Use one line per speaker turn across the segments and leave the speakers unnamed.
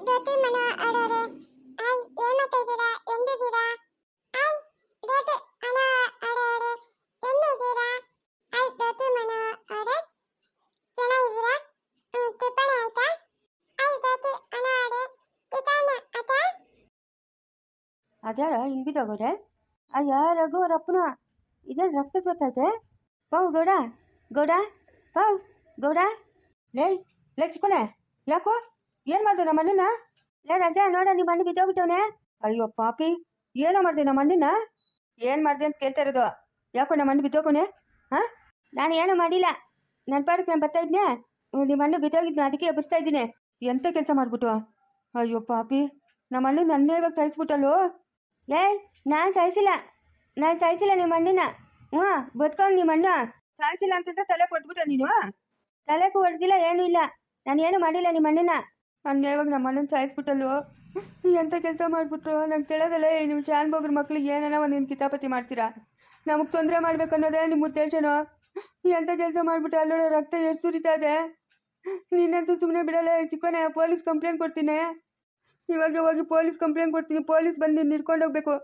ಜ್ಯೋತಿ ಮನ ಆಡೋರೆ ಆಯ್ ಏನ್ ಮಾಡ್ತಾ ಇದ್ದೀರಾ ಎಂದಿದ್ದೀರಾ ಆಯ್ ಜ್ಯೋತಿ ಅನ ಆಡೋರೆ ಎಲ್ಲಿದ್ದೀರಾ ಆಯ್ ಜ್ಯೋತಿ ಮನ ಆಡೋರೆ ಚೆನ್ನಾಗಿದ್ದೀರಾ ಟಿಫನ್ ಆಯ್ತಾ ಆಯ್ ಜ್ಯೋತಿ ಅನ ಆಡೋರೆ ಟಿಫನ್ ಆಯ್ತಾ
ಅದ್ಯಾರ ಹಿಂಗೆ ಬಿದ್ದೋಗೋರೆ ಅಯ್ಯ ರಘು ರಪ್ಪನ ಇದೇನು ರಕ್ತ ಸೋತೈತೆ ಪಾವು ಗೌಡ ಗೌಡ ಪಾವು ಗೌಡ ಲೇ ಚಿಕ್ಕನೆ ಯಾಕೋ ಏನು ಮಾಡ್ದೆ ನಮ್ಮ ಅಣ್ಣನ ಲೇ ರಜಾ ನೋಡ ನಿಮ್ಮ ಅಣ್ಣ ಬಿದ್ದೋಗ್ಬಿಟ್ಟವನೆ ಅಯ್ಯೋ ಪಾಪಿ ಏನೋ ಮಾಡಿದೆ ನಮ್ಮ ಅಣ್ಣನ ಏನು ಮಾಡಿದೆ ಅಂತ ಕೇಳ್ತಾ ಇರೋದು ಯಾಕೋ ನಮ್ಮ ಅಣ್ಣ ಬಿದ್ದೋಗೋನೆ ಹಾಂ ನಾನು ಏನೂ ಮಾಡಿಲ್ಲ ನನ್ನ ಪಾಡಕ್ಕೆ ನಾನು ಬರ್ತಾ ಇದ್ನೆ ನಿಮ್ಮ ಅಣ್ಣ ಬಿದ್ದೋಗಿದ್ನ ಅದಕ್ಕೆ ಎಬ್ಬಿಸ್ತಾ ಇದ್ದೀನಿ ಎಂಥ ಕೆಲಸ ಮಾಡಿಬಿಟ್ಟು ಅಯ್ಯೋ ಪಾಪಿ ನಮ್ಮ ಅಣ್ಣ ನನ್ನೇ ಇವಾಗ ಸಾಯಿಸ್ಬಿಟ್ಟಲ್ಲೋ ಲೇ ನಾನು ಸಾಯಿಸಿಲ್ಲ ನಿಮ್ಮ ಅಣ್ಣನ ಹ್ಞೂ ಬದುಕೊಂಡು ನಿಮ್ಮ ಅಣ್ಣ ಸಾಯಿಸಿಲ್ಲ ಅಂತಂದ್ರೆ ತಲೆ ಕೊಟ್ಬಿಟ್ಟ ನೀನು ತಲೆಗೂ ಹೊಡೆದಿಲ್ಲ ಏನೂ ಇಲ್ಲ ನಾನು ಏನೂ ಮಾಡಿಲ್ಲ ನಿಮ್ಮ ಅಣ್ಣನ ನನ್ನ ಇವಾಗ ನಮ್ಮ ಅಣ್ಣನ ಸಾಯಿಸ್ಬಿಟ್ಟಲ್ವ ಎಂಥ ಕೆಲಸ ಮಾಡಿಬಿಟ್ರು ನಂಗೆ ತಿಳಿಯೋದಲ್ಲ ನಿಮ್ಮ ಶಾನ್ ಬೋಗ್ರ ಮಕ್ಳಿಗೆ ಏನೇನೋ ಒಂದಿನ ಕಿತಾಪತಿ ಮಾಡ್ತೀರಾ ನಮಗೆ ತೊಂದರೆ ಮಾಡ್ಬೇಕು ಅನ್ನೋದೇ ನಿಮ್ಮ ಉದ್ದೇಶನೋ ಎಂಥ ಕೆಲಸ ಮಾಡಿಬಿಟ್ಟು ಅಲ್ಲೋಡ ರಕ್ತ ಎಷ್ಟು ಸುರಿತಾ ಇದೆ ನೀನಂತೂ ಸುಮ್ಮನೆ ಬಿಡಲ್ಲ ಚಿಕ್ಕನೆ ಪೊಲೀಸ್ ಕಂಪ್ಲೇಂಟ್ ಕೊಡ್ತೀನಿ ಇವಾಗ ಹೋಗಿ ಪೊಲೀಸ್ ಕಂಪ್ಲೇಂಟ್ ಕೊಡ್ತೀನಿ ಪೊಲೀಸ್ ಬಂದು ನಿನ್ನ ಹಿಡ್ಕೊಂಡು ಹೋಗ್ಬೇಕು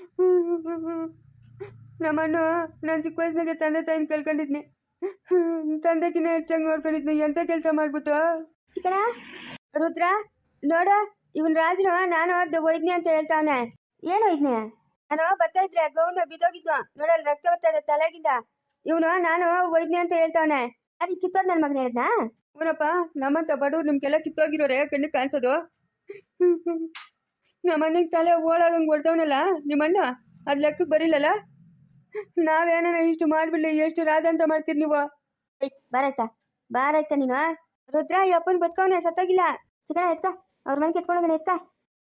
ನಮ್ಮಣ್ಣ ನಾನು ಚಿಕ್ಕ ವಯಸ್ಸಿನಾಗೆ ತಂದೆ ತಾಯಿನ ಕಳ್ಕೊಂಡಿದ್ನಿ ತಂದೆಕಿನ್ನ ಹೆಚ್ಚಾಗಿ ನೋಡ್ಕೊಂಡಿದ್ನಿ ಎಂಥ ಕೆಲಸ ಮಾಡಿಬಿಟ್ಟು ಚಿಕ್ಕಣ ರುದ್ರ ನೋಡ ಇವನ್ ರಾಜನ ನಾನು ಒಯ್ದ್ನಿ ಅಂತ ಹೇಳ್ತಾವನೆ ಏನು ಒಯ್ದ್ನಿ ನಾನು ಬರ್ತಾ ಇದ್ರೆ ಗೌನ ಬಿದ್ದೋಗಿದ್ವ ನೋಡಲ್ ರಕ್ತ ಬರ್ತಾ ಇದೆ ತಲೆಗಿಂದ ಇವನು ನಾನು ಒಯ್ದ್ನಿ ಅಂತ ಹೇಳ್ತಾವನೆ ಅದು ಕಿತ್ತೋದ್ ನನ್ನ ಮಗನ ಹೇಳ್ದ ಇವನಪ್ಪ ನಮ್ಮಂತ ಬಡವ್ರು ನಿಮ್ಗೆಲ್ಲ ಕಿತ್ತೋಗಿರೋರೆ ಕಣ್ಣಿಗೆ ಕಾಣಿಸೋದು ನಮ್ಮಣ್ಣಗೆ ತಲೆ ಓಡಾಗಂಗೆ ಹೊಡ್ದವನಲ್ಲ ನಿಮ್ಮಣ್ಣ ಅದು ಲೆಕ್ಕಕ್ಕೆ ಬರಿಲ್ಲಲ್ಲ ನಾವೇನ ಇಷ್ಟು ಮಾಡ್ಬಿಡ್ಲಿ ಎಷ್ಟು ರಾಧ ಅಂತ ಮಾಡ್ತೀರಿ ನೀವು ಬಾರಾಯ್ತಾ ನೀನು ರುದ್ರ ಅಪ್ಪನ ಬದುಕವನೆ ಸತ್ತಾಗಿಲ್ಲ ಚಿಕ್ಕಣ ಎತ್ಕ ಅವ್ರ ಮನೆಗೆ ಎತ್ಕೊಂಡೋಗನೆ ಎತ್ಕ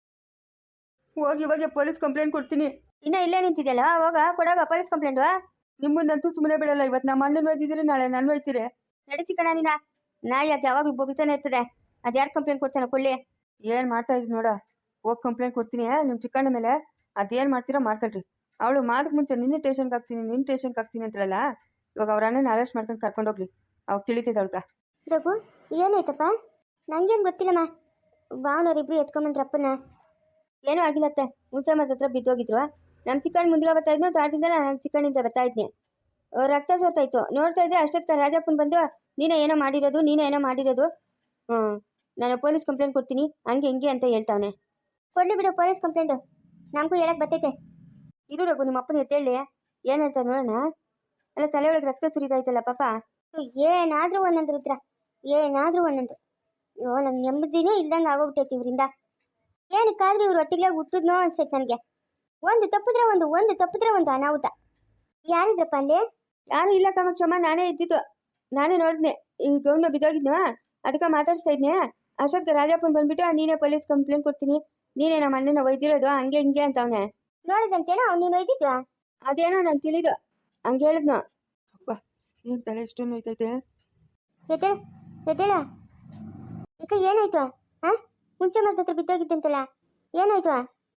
ಹೋಗಿ ಇವಾಗ ಪೊಲೀಸ್ ಕಂಪ್ಲೇಂಟ್ ಕೊಡ್ತೀನಿ ಇನ್ನ ಇಲ್ಲೇ ನಿಂತಿದ್ಯಲ್ಲ ಹೋಗ ಕೊಡೋಗ ಪೊಲೀಸ್ ಕಂಪ್ಲೇಂಟು ನಿಮ್ಮನ್ನಂತೂ ಸುಮ್ಮನೆ ಬಿಡಲ್ಲ ಇವತ್ತು ನಮ್ಮ ಅಣ್ಣನ ಒಯ್ದಿದ್ರೆ ನಾಳೆ ನಾನು ಒಯ್ತೀರಿ ನಡಿ ಚಿಕ್ಕಣ ನೀನ ನಾಯಿ ಅದು ಯಾವಾಗಲೂ ಬೊಗಿತಾನೆ ಇರ್ತದೆ ಅದು ಯಾರು ಕಂಪ್ಲೇಂಟ್ ಕೊಡ್ತಾನೆ ಕೊಳ್ಳಿ ಏನು ಮಾಡ್ತಾ ಇದ್ರಿ ನೋಡ ಹೋಗಿ ಕಂಪ್ಲೇಂಟ್ ಕೊಡ್ತೀನಿ ನಿಮ್ಮ ಚಿಕ್ಕಣ್ಣ ಮೇಲೆ ಅದೇನು ಮಾಡ್ತೀರೋ ಮಾಡ್ಕೊಳ್ರಿ ಅವಳು ಮಾದಕ್ಕೆ ಮುಂಚೆ ನಿನ್ನ ಟೇಷನ್ಗೆ ಹಾಕ್ತೀನಿ ಅಂತಲ್ಲ ಇವಾಗ ಅವ್ರ ಅಣ್ಣನ ಅರೆಸ್ಟ್ ಮಾಡ್ಕೊಂಡು ಕರ್ಕೊಂಡೋಗ್ಲಿ ಅವಾಗ ತಿಳಿತೈತೆ ಅವಳ್ಗ
ರಘು ಏನಾಯ್ತಪ್ಪ ನಂಗೇನು ಗೊತ್ತಿಲ್ಲಮ್ಮ ಭಾವನವ್ರಿಬ್ರು ಎತ್ಕೊಂಬಂದ್ರಪ್ಪನ
ಏನೂ ಆಗಿಲ್ಲತ್ತೆ ಮುಂಚೆ ಮದ ಹತ್ರ ಬಿದ್ದೋಗಿದ್ರು ನಮ್ಮ ಚಿಕ್ಕಣ್ಣ ಮುಂದಿಗೆ ಬರ್ತಾ ಇದ್ನು ತಾಡ್ದಿಂದ ನಮ್ಮ ಚಿಕ್ಕಣ್ಣಿಂದ ಬರ್ತಾ ಇದ್ನಿ ರಕ್ತ ಸೋತಾಯ್ತು ನೋಡ್ತಾ ಇದ್ರೆ ಅಷ್ಟೊತ್ತ ರಾಜಪ್ಪನ ಬಂದು ನೀನೇ ಏನೋ ಮಾಡಿರೋದು ನಾನು ಪೊಲೀಸ್ ಕಂಪ್ಲೇಂಟ್ ಕೊಡ್ತೀನಿ ಹಂಗೆ ಹಿಂಗೆ ಅಂತ ಹೇಳ್ತಾವನೆ
ಕೊಡ್ಲಿ ಬಿಡು ಪೊಲೀಸ್ ಕಂಪ್ಲೇಂಟು ನಮಗೂ ಹೇಳಕ್ ಬರ್ತೈತೆ
ಇರು ರಘು ನಿಮ್ಮ ಅಪ್ಪನ ಎತ್ತೇಳಿ ಏನು ಹೇಳ್ತಾರೆ ನೋಡೋಣ ಅಲ್ಲ ತಲೆ ಒಳಗೆ ರಕ್ತ ಸುರಿದಾಯ್ತಲ್ಲ ಪಾಪ
ಏನಾದ್ರೂ ಒಂದೊಂದು ರುದ್ರ ಏನಾದ್ರೂ ಒಂದೊಂದು ಅಯ್ಯೋ ನಂಗೆ ನೆಮ್ಮದಿನೇ ಇಲ್ದಂಗೆ ಆಗೋಗ್ಬಿಟ್ಟೈತಿ ಇವರಿಂದ ಏನಕ್ಕಾದ್ರೂ ಇವ್ರು ಒಟ್ಟಿಗೆ ಹುಟ್ಟಿದ್ನೋ ಅನ್ಸೈತೆ ನನಗೆ ಒಂದು ತಪ್ಪಿದ್ರೆ ಒಂದು ಅನಾಹುತ ಯಾರಿದ್ರಪ್ಪ ಅಲ್ಲಿ
ಯಾರು ಇಲ್ಲ ಕಾಮಾಕ್ಷಮ್ಮ ನಾನೇ ಇದ್ದಿದ್ದು ನಾನೇ ನೋಡಿದ್ನೆ ಈ ಗೌನ ಬಿದ್ದೋಗಿದ್ನ ಅದಕ್ಕೆ ಮಾತಾಡ್ಸ್ತಾ ಇದ್ನೆ ಅಷ್ಟೊತ್ತಿಗೆ ರಾಜಪ್ಪನ್ ಬಂದ್ಬಿಟ್ಟು ನೀನೇ ಪೊಲೀಸ್ ಕಂಪ್ಲೇಂಟ್ ಕೊಡ್ತೀನಿ ನೀನೇ ನಮ್ಮ ಅಣ್ಣನ ಒಯ್ದಿರೋದು ಹಂಗೆ ಹಿಂಗೆ ಅಂತ ಅವನೇ
ನೋಡಿದಂತೇನೋ ನೀನು ಒಯ್ದಿದ್ವಾ
ಅದೇನೋ ನಂಗೆ ತಿಳಿದು ಹಂಗೆ ಹೇಳಿದ್ನು ಅಪ್ಪ ಏನು ತಲೆ ಎಷ್ಟೊಂದು ಹೋಯ್ತೈತೆ
ಎದ್ದೇಳ ಈಗ ಏನಾಯ್ತು ಮುಂಚೆ ಮರದ ಹತ್ರ ಬಿದ್ದೋಗಿದ್ದಂತಲ್ಲ ಏನಾಯ್ತು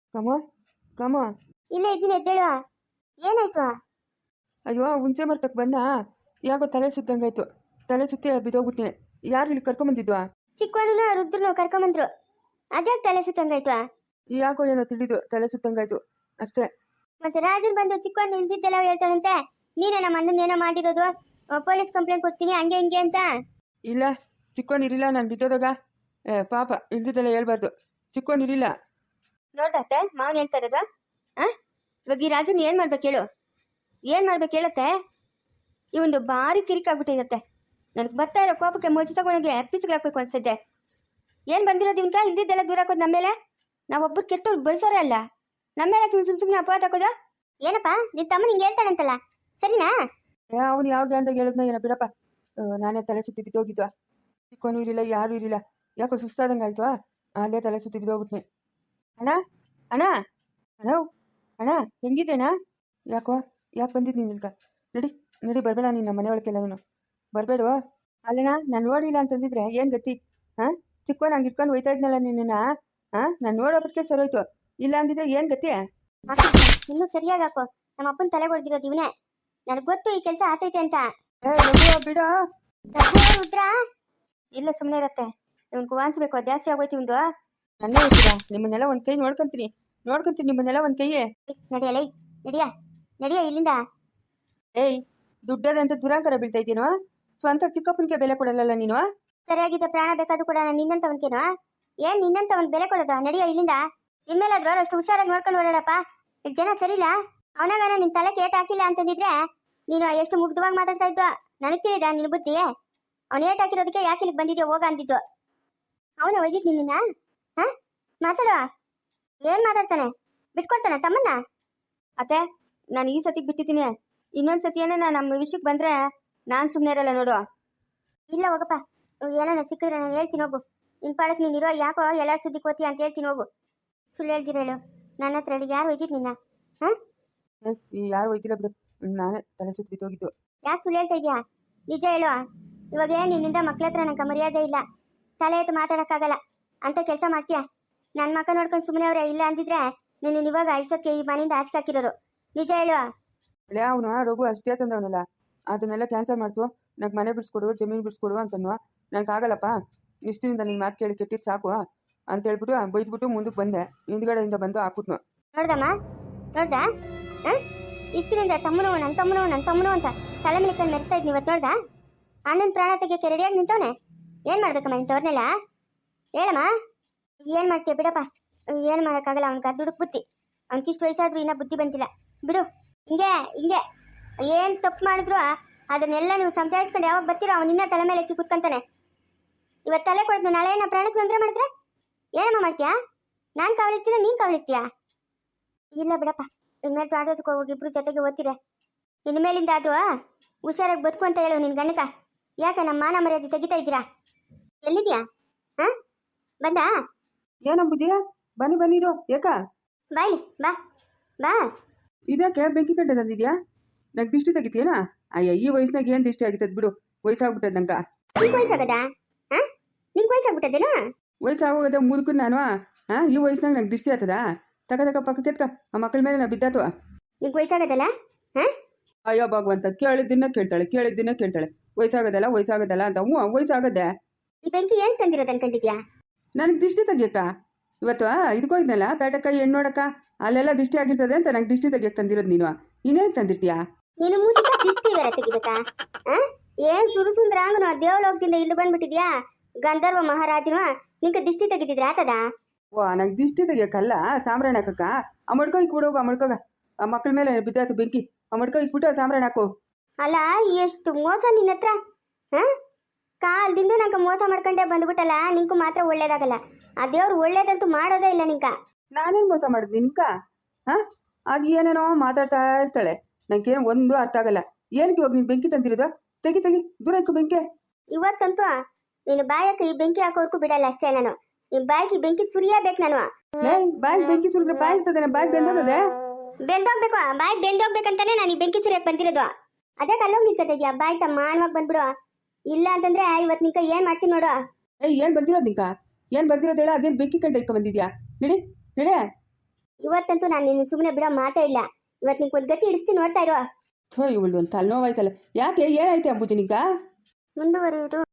ಕಮ
ಇಲ್ಲೇ ಇದ್ದೀನಿ ಎದ್ದೇಳುವ ಏನಾಯ್ತು
ಅಯ್ಯೋ ಹುಂಚೆ ಮರ್ತಕ್ಕೆ ಬಂದ ಯಾಕೋ ತಲೆ ಸುತ್ತಂಗಾಯ್ತು ತಲೆ ಸುತ್ತಿ ಬಿದ್ದೋಗ್ಬಿಟ್ನೆ ಯಾರು ಇಲ್ಲಿ ಕರ್ಕೊಂಬಂದಿದ್ವಾ
ಚಿಕ್ಕವನು ರುದ್ರನು ಕರ್ಕೊಂಬಂದ್ರು ಅದ್ಯಾಕೆ ತಲೆ ಸುತ್ತಂಗಾಯ್ತು
ಯಾಕೋ ಏನೋ ತಿಳಿದು ತಲೆ ಸುತ್ತಂಗಾಯ್ತು ಅಷ್ಟೇ
ಮತ್ತೆ ರಾಜನ್ ಬಂದು ಚಿಕ್ಕವನು ಇಲ್ದಿದ್ದೆಲ್ಲ ಹೇಳ್ತಾನಂತೆ ನೀನೇ ನಮ್ಮ ಅಣ್ಣನ ಏನೋ ಮಾಡಿರೋದು ಪೊಲೀಸ್ ಕಂಪ್ಲೇಂಟ್ ಕೊಡ್ತೀನಿ ಹಂಗೆ ಹಿಂಗೆ ಅಂತ
ಇಲ್ಲ ಚಿಕ್ಕವನು ಇರಿಲ್ಲ ನಾನು ಬಿದ್ದೋದಾಗ ಪಾಪ ಇಲ್ದಿದ್ದೆಲ್ಲ ಹೇಳ್ಬಾರ್ದು ಚಿಕ್ಕವನು ಇರಿಲ್ಲ ನೋಡ್ದತ್ತೆ ಮಾವನ್ ಹೇಳ್ತಾ ಇರೋದು ಇವಾಗ ಈ ರಾಜನ್ ಏನು ಮಾಡ್ಬೇಕು ಹೇಳತ್ತೆ ಈ ಒಂದು ಭಾರಿ ಕಿರಿಕಾಗ್ಬಿಟ್ಟಿರುತ್ತೆ ನನಗೆ ಬರ್ತಾ ಇರೋ ಕೋಪಕ್ಕೆ ಮೊಜಿ ತಗೊಂಡೋಗಿ ಪೀಸ್ಗಳಾಕ್ಬೇಕು ಅನ್ಸಿದ್ದೆ ಏನು ಬಂದಿರೋದು ಇವನ್ಕ ಇಲ್ದಿದ್ದೆಲ್ಲ ದೂರ ಹಾಕೋದು ನಮ್ಮ ಮೇಲೆ ನಾವೊಬ್ಬರು ಕೆಟ್ಟವ್ರು ಬಯಸೋರೇ ಅಲ್ಲ ನಮ್ಮ ಮೇಲೆ ಸುಮ್ಮನೆ ಅಪವಾದ ಹಾಕೋದು
ಏನಪ್ಪ ನಿನ್ನ ತಮ್ಮ ನಿಂಗೆ ಹೇಳ್ತಾನಂತಲ್ಲ ಸರಿನಾ
ಅವನು ಯಾವಾಗ ಅಂತ ಹೇಳಿದ್ನ ಏನೋ ಬಿಡಪ್ಪ ನಾನೇ ತಲೆ ಸುತ್ತಿ ಬಿದ್ದೋಗಿದ್ವಾ ಚಿಕ್ಕವನು ಇರಿಲ್ಲ ಯಾರೂ ಇರಿಲ್ಲ ಯಾಕೋ ಸುಸ್ತಾದಂಗೆ ಆಯ್ತು ಅಲ್ಲೇ ತಲೆ ಸುತ್ತಿ ಬಿದ್ದೋಗ್ಬಿಟ್ನಿ ಅಣ್ಣ ಅಣ್ಣ ಅಣ್ಣ ಅಣ್ಣ ಹೆಂಗಿದ್ದೇಣ್ಣ ಯಾಕೆ ಬಂದಿದ್ದು ನೀನು ಇಲ್ಕ ನಡಿ ಬರಬೇಡ ನೀನು ನಮ್ಮ ಮನೆಯೊಳಗೆಲ್ಲನು ಬರಬೇಡ ಅಲ್ಲಣ್ಣ ನಾನು ನೋಡಿಲ್ಲ ಅಂತಂದಿದ್ರೆ ಏನು ಗತಿ ಚಿಕ್ಕವನು ಹಂಗೆ ಇಟ್ಕೊಂಡು ಹೋಯ್ತಾ ಇದ್ನಲ್ಲ ನಿನ್ನ ನಾನು ನೋಡೋಬಿಟ್ಕೆ ಸರೋಯ್ತು ಇಲ್ಲ ಅಂದಿದ್ರೆ ಏನು ಗತಿ
ಇನ್ನೂ ಸರಿಯಾಗಿ ಹಾಕೋ ನಮ್ಮ ಅಪ್ಪನ ತಲೆ ಹೊಡೆದಿರೋದು ಇವನೇ ನನಗೆ ಗೊತ್ತು ಈ ಕೆಲಸ ಆತೈತೆ ಅಂತ
ಬಿಡ
ರುದ್ರ
ಇಲ್ಲ ಸುಮ್ಮನೆ ಇರತ್ತೆ ಇವನ್ ಕುವಾನ್ಸ್ಬೇಕು ಜಾಸ್ತಿ ಆಗೋಯ್ತು ಇವಂದು ನನ್ನೇ ಹೇಳ್ತೀರಾ? ನಿಮ್ಮನ್ನೆಲ್ಲ ಒಂದು ಕೈ ನೋಡ್ಕೊಂತೀನಿ ನಿಮ್ಮನ್ನೆಲ್ಲ ಒಂದು ಕೈಯೇ.
ನಡಿಯಲೇ, ನಡಿಯ ನಡಿಯ ಇಲ್ಲಿಂದ.
ಏಯ್, ದುಡ್ಡದಂತ ದುರಾಂಕರ ಬೀಳ್ತಾ ಇದ್ದೀನೋ? ಸ್ವಂತ ಚಿಕ್ಕಪ್ಪನಿಗೆ ಬೆಲೆ ಕೊಡಲ್ಲ ನೀನು.
ಸರಿಯಾಗಿದ್ದ ಪ್ರಾಣ ಬೇಕಾದ್ರೂ ಕೂಡ ನಾನು ನಿನ್ನಂತವನ್ಕೇನೋ? ಏನ್ ನಿನ್ನಂತವನ್ ಬೆಲೆ ಕೊಡೋದು? ನಡಿಯ ಇಲ್ಲಿಂದ. ಇನ್ಮೇಲಾದ್ರೂ ಅಷ್ಟು ಹುಷಾರಾಗಿ ನೋಡ್ಕೊಂಡು ಓಡಾಡಪ್ಪ. ಈಗ ಜನ ಸರಿಲ್ಲ. ಅವನಾಗಾನ ನಿನ್ ತಲೆ ಏಟ್ ಹಾಕಿಲ್ಲ ಅಂತಂದಿದ್ರೆ ನೀನು ಎಷ್ಟು ಮುಗ್ಧವಾಗಿ ಮಾತಾಡ್ತಾ ಇದ್ದ. ನನಗ್ ತಿಳಿದ ನಿನ್ ಬುದ್ಧಿ. ಅವ್ನ ಏಟ್ ಹಾಕಿರೋದಕ್ಕೆ ಯಾಕೆ ಇಲ್ಲಿಗೆ ಬಂದಿದ್ಯೋ ಹೋಗ ಅಂದಿದ್ದು. ಅವನೇ ಒಯ್ದಿದ್ ನಿನ್ನ. ಹ ಮಾತಾಡುವ. ಏನ್ ಮಾತಾಡ್ತಾನೆ? ಬಿಟ್ಕೊಡ್ತಾನೆ ತಮ್ಮನ್ನ?
ಅತ್ತೆ, ನಾನು ಈ ಸತಿಗೆ ಬಿಟ್ಟಿದ್ದೀನಿ. ಇನ್ನೊಂದು ಸತಿಯೇನೆ ನಮ್ಮ ವಿಷಯಕ್ಕೆ ಬಂದರೆ ನಾನು ಸುಮ್ಮನೆ ಇರಲ್ಲ ನೋಡು.
ಇಲ್ಲ ಹೋಗಪ್ಪ. ಏನಾನ ಸಿಕ್ಕಿದ್ರೆ ನಾನು ಹೇಳ್ತೀನಿ ಹೋಗು. ನಿನ್ ಪಾಡಕ್ ನೀನಿರೋ ಯಾಕೋ ಎಲ್ಲಾರ ಸುದ್ದಿ ಕೋತಿ ಅಂತ ಹೇಳ್ತೀನಿ ಹೋಗು. ಸುಳ್ಳು ಹೇಳ್ದಿರ ಹೇಳು. ನನ್ನ ಹತ್ರ ಹೇಳಿ ಯಾರು ಒಯ್ದಿದ್ ನಿನ್ನ?
ಯಾರು ಒಯ್ದಿಲ್ಲ ಬಿಡು, ನಾನೇ ತಲೆ ಸುತ್ತ ಬಿತ್ತೋಗಿದ್ದು.
ಯಾಕೆ ಸುಳ್ಳು ಹೇಳ್ತಾ ಇದೀಯಾ? ನಿಜ ಹೇಳು. ಇವಾಗ ನಿನ್ನಿಂದ ಮಕ್ಳ ಹತ್ರ ನಂಗೆ ಮರ್ಯಾದೆ ಇಲ್ಲ. ತಲೆ ಎತ್ತು ಮಾತಾಡಕ್ಕಾಗಲ್ಲ ಅಂತ ಕೆಲಸ ಮಾಡ್ತೀಯ. ನನ್ನ ಮಕ್ಕ ನೋಡ್ಕೊಂಡು ಸುಮ್ಮನೆ ಅವ್ರೆ ಇಲ್ಲ ಅಂದಿದ್ರೆ ನೀನು ಇವಾಗ ಇಷ್ಟೊತ್ತಿಗೆ ಈ ಮನೆಯಿಂದ ಆಚೆ ಹಾಕಿರೋರು. ನಿಜ ಹೇಳು.
ಅವನು ರಘು ಅಷ್ಟೇ ತಂದವನಲ್ಲ, ಅದನ್ನೆಲ್ಲ ಕ್ಯಾನ್ಸಲ್ ಮಾಡ್ತು. ನಂಗೆ ಮನೆ ಬಿಡಿಸ್ಕೊಡು, ಜಮೀನು ಬಿಡಿಸ್ಕೊಡು ಅಂತನ್ನುವ. ನಂಗೆ ಆಗಲ್ಲಪ್ಪ, ಇಷ್ಟಿನಿಂದ ನಿನ್ನ ಮಾತು ಕೇಳಿ ಕೆಟ್ಟಿದ್ದು ಸಾಕು ಅಂತ ಹೇಳ್ಬಿಟ್ಟು ಬೈದ್ಬಿಟ್ಟು ಮುಂದಕ್ಕೆ ಬಂದೆ. ಹಿಂದ್ಗಡೆಯಿಂದ ಬಂದು ಹಾಕ್ಬಿಟ್ನು.
ನೋಡ್ದಮ್ಮ, ನೋಡ್ದ? ಇಷ್ಟಿನಿಂದ ನನ್ನ ತಮ್ಮನು ಅಂತ ತಲೆ ಮೇಲೆ ಕಣ್ಣು ಮೆರೆಸ್ತಾ ಇದ್ನಿ. ಇವತ್ತು ನೋಡ್ದ? ಅಣ್ಣನ ಪ್ರಾಣ ತೆಗಿಯೋಕೆ ರೆಡಿಯಾಗಿ ನಿಂತವನೆ. ಏನ್ ಮಾಡ್ಬೇಕಮ್ಮ ಇಂಥವ್ರನ್ನೆಲ್ಲ? ಹೇಳಮ್ಮ. ಏನ್ ಮಾಡ್ತೀಯ ಬಿಡಪ್ಪ. ಏನು ಮಾಡೋಕ್ಕಾಗಲ್ಲ. ಅವ್ನಿಗೆ ದುಡುಕ್ ಬುದ್ಧಿ. ಅವ್ನಿಗಿಷ್ಟು ವಯಸ್ಸಾದ್ರೂ ಇನ್ನೂ ಬುದ್ಧಿ ಬಂದಿಲ್ಲ ಬಿಡು. ಹಿಂಗೆ ಏನ್ ತಪ್ಪು ಮಾಡಿದ್ರು ಅದನ್ನೆಲ್ಲ ನೀವು ಸಂಜಾಯಿಸ್ಕೊಂಡು ಯಾವಾಗ ಬರ್ತೀರೋ ಅವನಿನ್ನ ತಲೆ ಮೇಲೆ ಎತ್ತಿ ಕುತ್ಕೊಂತಾನೆ. ಇವತ್ತು ತಲೆ ಕೊಡ್ದು ನಾಳೆ ನಾ ಪ್ರಾಣಕ್ಕೆ ತೊಂದರೆ ಮಾಡಿದ್ರೆ ಏನಮ್ಮ ಮಾಡ್ತೀಯಾ? ನಾನು ಕಾವಲಿರ್ತೀನ, ನೀನು ಕಾವಲಿರ್ತೀಯಾ? ಇಲ್ಲ ಬಿಡಪ್ಪ. ಇನ್ಮೇಲೆ ತೋಟದಕ್ಕೆ ಹೋಗಿ ಇಬ್ರು ಜೊತೆಗೆ ಓದ್ತೀರ. ಇನ್ಮೇಲಿಂದ ಆದ್ರೂ ಹುಷಾರಾಗಿ ಬದುಕು ಅಂತ ಹೇಳು ನಿನ್ ಗಣಕ. ಯಾಕೆ ನಮ್ಮ ಮಾನ ಮರ್ಯಾದೆ ತೆಗಿತಾ ಇದ್ದೀರಾ? ಎಲ್ಲಿದ್ಯಾ? ಬಂದ?
ಏನಂಬುಜಿಯ? ಬನ್ನಿರು. ಯಾಕ
ಬಾಯ್ಲಿ ಬಾ ಬಾ.
ಇದಕ್ಕೆ ಬೆಂಕಿ ಕಟ್ಟೆ ತಂದಿದ್ಯಾ? ನಂಗೆ ದಿಷ್ಟಿ ತೆಗಿತೀಯನಾ? ಅಯ್ಯ, ಈ ವಯಸ್ಸಿನಾಗ ಏನು ದಿಷ್ಟಿ ಆಗಿತ್ತದ ಬಿಡು. ವಯಸ್ಸಾಗ್ಬಿಟ್ಟದ ನಂಗೆ.
ನಿಂಗೆ ವಯಸ್ಸಾಗದ? ನಿಂಗೆ ವಯಸ್ಸಾಗ್ಬಿಟ್ಟದೇನಾ?
ವಯಸ್ಸಾಗೋದ ಮುದುಕು ನಾನು. ಈ ವಯಸ್ಸಿನಾಗ ನಂಗೆ ದಿಷ್ಟಿ ಆಗ್ತದ? ತಕ ಪಕ್ಕಕ್ಕೆತ್ಕ. ಆ ಮಕ್ಕಳ ಮೇಲೆ ನಾ ಬಿದ್ದಾತು.
ನಿಂಗೆ ವಯಸ್ಸಾಗದಲ್ಲ?
ಅಯ್ಯೋ ಭಗವಂತ, ಕೇಳಿದ್ದನ್ನ ಕೇಳ್ತಾಳೆ. ವಯಸ್ಸಾಗದಲ್ಲ ಅಂತ. ವಯಸ್ಸಾಗದೆ.
ಈ ಬೆಂಕಿ ಏನ್ ತಂದಿರೋದು ಅನ್ಕೊಂಡಿದ್ಯಾ?
ನನಗೆ ದಿಷ್ಟಿ ತೆಗಿಯಕ್ಕ ಇವತ್ತು ಇದಕ್ಕೋ ಇದ್ನಲ್ಲ ಪೇಟಕ್ಕ ಹೆಣ್ಣು ನೋಡಕ್ಕ, ಅಲ್ಲೆಲ್ಲ ದಿಷ್ಟಿ ಆಗಿರ್ತದೆ ಅಂತ ನಂಗೆ ದಿಷ್ಟಿ ತೆಗಿಯಕ್ಕೆ ತಂದಿರೋದು ನೀನು. ಇನ್ನೇನು ತಂದಿರ್ತೀಯಾ
ನೀನು? ಮೂಚಿಕ ದಿಷ್ಟಿ ಬೇರೆ ತೆಗಿಬೇಕಾ? ಏನ್ ಸುಂದರಾಂಗನು ದೇವಲೋಕದಿಂದ ಇಲ್ಲಿ ಬಂದ್ಬಿಟ್ಟಿದ್ಯಾ? ಗಂಧರ್ವ ಮಹಾರಾಜನು ನಿಂಗೆ ದಿಷ್ಟಿ ತೆಗಿತಿದ್ರೆ ಆತದ?
ನಂಗೆ ದಿಷ್ಟಿ ತೆಗಿಯಕ್ಕಲ್ಲ, ಸಾಂಬ್ರಾಣಿ ಹಾಕಕ್ಕ. ಆ ಮಡ್ಕೋ ಇಕ್ಬಿಡೋಗ, ಆ ಮಡ್ಕೋಗ. ಆ ಮಕ್ಕಳ ಮೇಲೆ ಬಿದ್ದಾತು ಬೆಂಕಿ. ಆ ಮಡ್ಕೋ ಇಕ್ಬಿಟ್ಟು ಸಾಂಬ್ರಾಣಿ ಹಾಕು.
ಅಲ್ಲ, ಎಷ್ಟು ಮೋಸ ನಿನ್ನ ಹತ್ರ. ಕಾಲ್ದಿಂದ ನಂಗೆ ಮೋಸ ಮಾಡ್ಕೊಂಡೆ ಬಂದ್ಬಿಟ್ಟಲ್ಲ. ನಿಂಕು ಮಾತ್ರ ಒಳ್ಳೇದಾಗಲ್ಲ. ಆ ದೇವ್ರು ಒಳ್ಳೇದಂತೂ ಮಾಡೋದೇ ಇಲ್ಲ ನಿಂಕ.
ನಾನೇನು ಮೋಸ ಮಾಡಿದ್ನಿ ನಿನ್ಕ? ಅದು ಏನೇನೋ ಮಾತಾಡ್ತಾ ಇರ್ತಾಳೆ. ನಂಗೆ ಒಂದು ಅರ್ಥ ಆಗಲ್ಲ. ಏನಕ್ಕೆ ಇವಾಗ ನೀನು ಬೆಂಕಿ ತಂದಿರೋದು? ತೆಗಿ ದೂರ ಇಕ್ಕು ಬೆಂಕಿ.
ಇವತ್ತಂತೂ ನೀನು ಬಾಯಕ್ಕೆ ಈ ಬೆಂಕಿ ಹಾಕೋರ್ಕು ಬಿಡಲ್ಲ ಅಷ್ಟೇ. ನಾನು ನಿಮ್ ಬಾಯಿಗೆ ಬೆಂಕಿ ಸುರಿಯಬೇಕು. ನಾನು
ಬಾಯಿಗೆ ಬೆಂಕಿ ಸುರಿದ್ರೆ ಬಾಯಿ ಇರ್ತದೆ, ಬಾಯಿ ಬೆಂದೋಗದೆ.
ಬೆಂದೋಗ್ಬೇಕು. ಬಾಯಿ ಬೆಂದೋಗ್ಬೇಕಂತಾನೆ ನಾನು ಈ ಬೆಂಕಿ ಸುರಿಯಕ್ಕೆ ಬಂದಿರೋದು. ಅದೇ ಕಲ್ಲೋಗಿ ನಿಂತ್ಕೊತಿದ್ಯಾ? ಬಾಯಿ ತಮ್ಮ ಮಾನವಾಗಿ ಬಂದ್ಬಿಡು. ಇಲ್ಲ ಅಂತಂದ್ರೆ ಇವತ್ತು ನಿಂಕ ಏನ್ ಮಾಡ್ತೀನಿ ನೋಡು.
ಏನ್ ಬಂದಿರೋದು ನಿಂಕ? ಏನ್ ಬಂದಿರೋದು ಹೇಳ? ಅದೇನು ಬೆಂಕಿ ಕಂಡ ಇಟ್ಕೊಂಡ್ ಬಂದಿದ್ಯಾ? ನಡಿ.
ಇವತ್ತಂತೂ ನಾನು ನಿನ್ನ ಸುಮ್ಮನೆ ಬಿಡೋ ಮಾತೇ ಇಲ್ಲ. ಇವತ್ತು ನಿಂಗೆ ಒಂದು ಗತಿ ಇಡಿಸ್ತೀನಿ, ನೋಡ್ತಾ ಇರೋ.
ಇವಳು ಒಂದು ತಲೆನೋವಾಯ್ತಲ್ಲ. ಯಾಕೆ? ಏನಾಯ್ತು ಅಂಬುಜಿ ನಿಂಕ?
ಮುಂದುವರಿಯುವುದು